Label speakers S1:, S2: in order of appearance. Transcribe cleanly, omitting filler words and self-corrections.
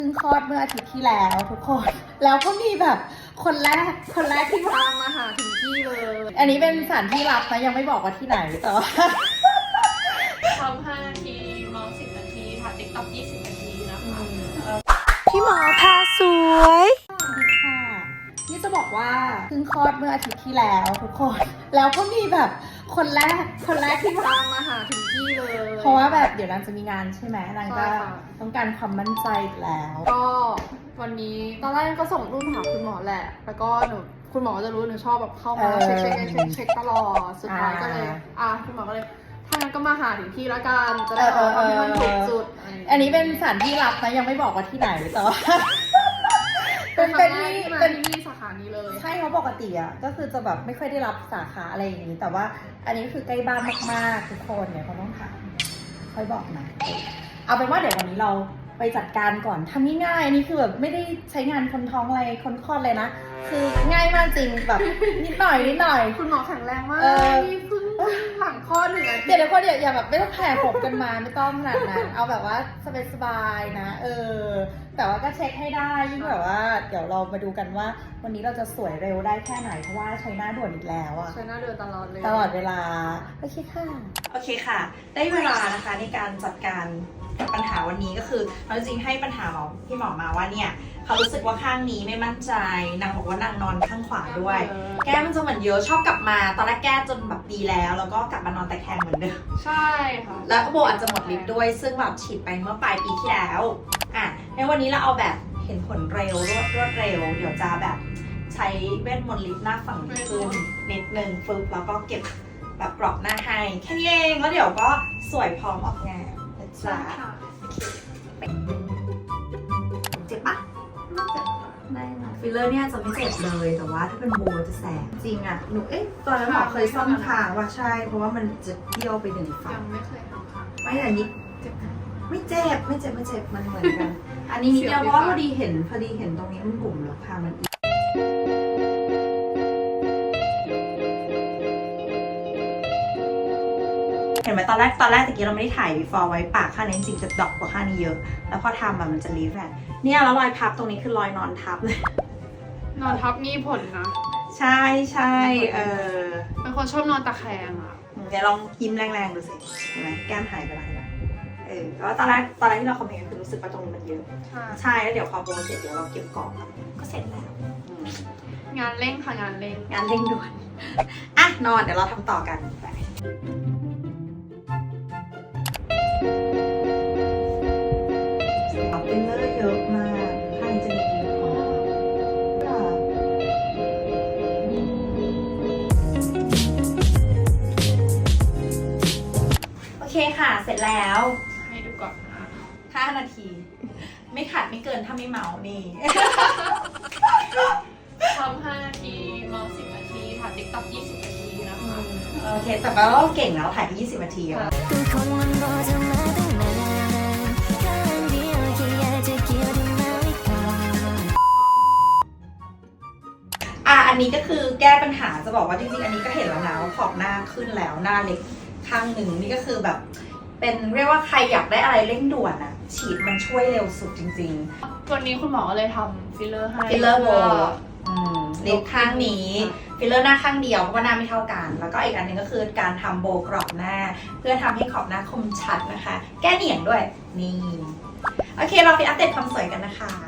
S1: เพิ่งคลอดเมื่ออาทิตย์ที่แล้วทุกคนแล้วก็มีแบบคนแรกที่พามาหาถึงที่เลย อันนี้เป็นสถานที่ลับนะยังไม่บอกว่าที่ไหนแต่ว่า
S2: ทำ5 นาทีมอง10 นาทีถ่ายติ๊กต็อก20 นาทีนะคะ
S3: พี่หมอพาสวย
S1: สวัสดีค่ะนี่จะบอกว่าเพิ่งคลอดเมื่ออาทิตย์ที่แล้วทุกคนแล้วก็มีแบบคนแรกที่พามาหาถึงที่เลย เพราะว่าแบบเดี๋ยวนางจะมีงานใช่ไหมนางก็ต้องการความมั่นใจอีกแล้ว
S2: ก็วันนี้ตอนแรกก็ส่งรูปหาคุณหมอแหละแล้วก็คุณหมอจะรู้หนูชอบแบบเข้ามาเช็คตลอดสุดท้ายก็เลยคุณหมอก็เลยถ้างั้นก็มาหาถึงที่ละกันจะได้ทำให้มันถูกจุด
S1: อันนี้เป็นสถานที่ลับนะยังไม่บอกว่าที่ไหนแต่ว่า
S2: เป็นที่สาขานี้เลย
S1: ใช่เพราะปกติอ่ะก็คือจะแบบไม่ค่อยได้รับสาขาอะไรอย่างนี้แต่ว่าอันนี้คือใกล้บ้านมากๆทุกคนเนี่ยเขาต้องถามค่อยบอกนะเอาเป็นว่าเดี๋ยววันนี้เราไปจัดการก่อนทำง่ายๆอันนี้คือแบบไม่ได้ใช้งานคนท้องอะไรคนคลอดเลยนะคือง่ายมากจริงแบบนิดหน่อย
S2: คุณหมอแข็งแรงมากนี่เพิ่งหลังคลอด1 อาทิตย์
S1: เดี๋ยวคนอย่าแบบไม่ต้องแผ่ผมกันมาไม่ต้องขนาดนั้นเอาแบบว่าสบายๆนะแต่ว่าก็เช็คให้ได้ยิ่งแบบว่าเดี๋ยวเรามาดูกันว่าวันนี้เราจะสวยเร็วได้แค่ไหนเพราะว่าใช้หน้าด่วนอีกแล้วอะ
S2: ใช้หน้าเดินตลอดเลย
S1: ตลอดเวลาโอเคค่ะได้เวลานะคะในการจัดการกับปัญหาวันนี้ก็คือเราจริงให้ปัญหาพี่หมอมาว่าเนี่ยเขารู้สึกว่าข้างนี้ไม่มั่นใจนางบอกว่านางนอนข้างขวาด้วยแก้มันจะเหมือนเยอะชอบกลับมาตอนแรกแก้จนแบบดีแล้วก็กลับมานอนตะแคงเหมือนเดิม
S2: ใช่ค่ะ
S1: แล้วโบอาจจะหมดฤทธิ์ด้วยซึ่งแบบฉีดไปเมื่อปลายปีที่แล้วในวันนี้เราเอาแบบเห็นผลเร็วรวดเร็วเดี๋ยวจะแบบใช้เวทมนต์ลิฟต์หน้าฝั่งนี้ขึ้นนิดนึงฟึบแล้วก็เก็บแบบกรอบหน้าให้แค่นี้เองแล้วเดี๋ยวก็สวยพร้อมออกงานนะจ๊ะเจ็บปะได้นะฟิลเลอร์เนี่ยจะไม่เจ็บเลยแต่ว่าถ้าเป็นโบจะแสบจริงอ่ะหนูตอนนั้นหมอเคยซ่อมคางว่าใช่เพราะว่ามันจะเบี้ยวไป1 ฝั่
S2: ยัง งไม่เคยทำค่ะ
S1: ไม่แต่นิดเจ็บไม่เจ็บมันเหมือนกัน อันนี้นิดเดียวเพราะว่าพอดีเห็นตรงนี้มันบุ๋มแล้วค่ะมันอีกเห็นไหมตอนแรกตะกี้เราไม่ได้ถ่าย before ไว้ปากข้างนี้จริงๆจะดอกกว่าข้างนี้เยอะแล้วพอทำมันจะรีแฟกเนี่ยแล้วรอยพับตรงนี้คือรอยนอนทับเลย
S2: นอนทับมีผลนะ
S1: ใช่
S2: เป็นคนชอบนอนตะแคงอ่ะ
S1: เดี๋ยวลองยิ้มแรงๆดูสิเห็นไหมแก้มหายไปแล้วเห็นไหมแต่ว่าตอนแรกที่เราคอมเมนต์คือรู้สึกว่าตรงนี้มันเยอะใช่แล้วเดี๋ยวพอโปรเสร็จเดี๋ยวเราเก็บกรอบก็เสร็จแล้ว
S2: งานเร่งค่ะงานเร่ง
S1: งานเร่งด่วนนอนเดี๋ยวเราทำต่อกันไปเป็นเลอร์เยอะมากข้างจะมีโอเคค่ะเสร็จแล้ว
S2: ให้ดูก่อนนะ
S1: 5 นาที ไม่ขัดไม่เกินถ้าไม่เมานี่
S2: ทำ5 นาทีมอง10 นาทีถ่ายติ๊กต็อก20 นาทีนะคะ
S1: โอเคแต่ว่าเราเก่งแล้วถ่ายไป20 นาทีอะอันนี้ก็คือแก้ปัญหาจะบอกว่าจริงๆอันนี้ก็เห็นแล้วนะว่าขอบหน้าขึ้นแล้วหน้าเล็กข้างหนึ่งนี่ก็คือแบบเป็นเรียกว่าใครอยากได้อะไรเร่งด่วนอะฉีดมันช่วยเร็วสุดจริงๆ
S2: วันนี้คุณหมอเลยทำฟิลเลอร์ให้
S1: ฟิลเลอร์โบเล็บข้างนี้ฟิลเลอร์หน้าข้างเดียวเพราะว่าหน้าไม่เท่ากันแล้วก็อีกอันหนึงก็คือการทำโบกรอบหน้าเพื่อทำให้ขอบหน้าคมชัดนะคะแก้เหนียงด้วยนี่โอเคเราไปอัปเดตความสวยกันนะคะ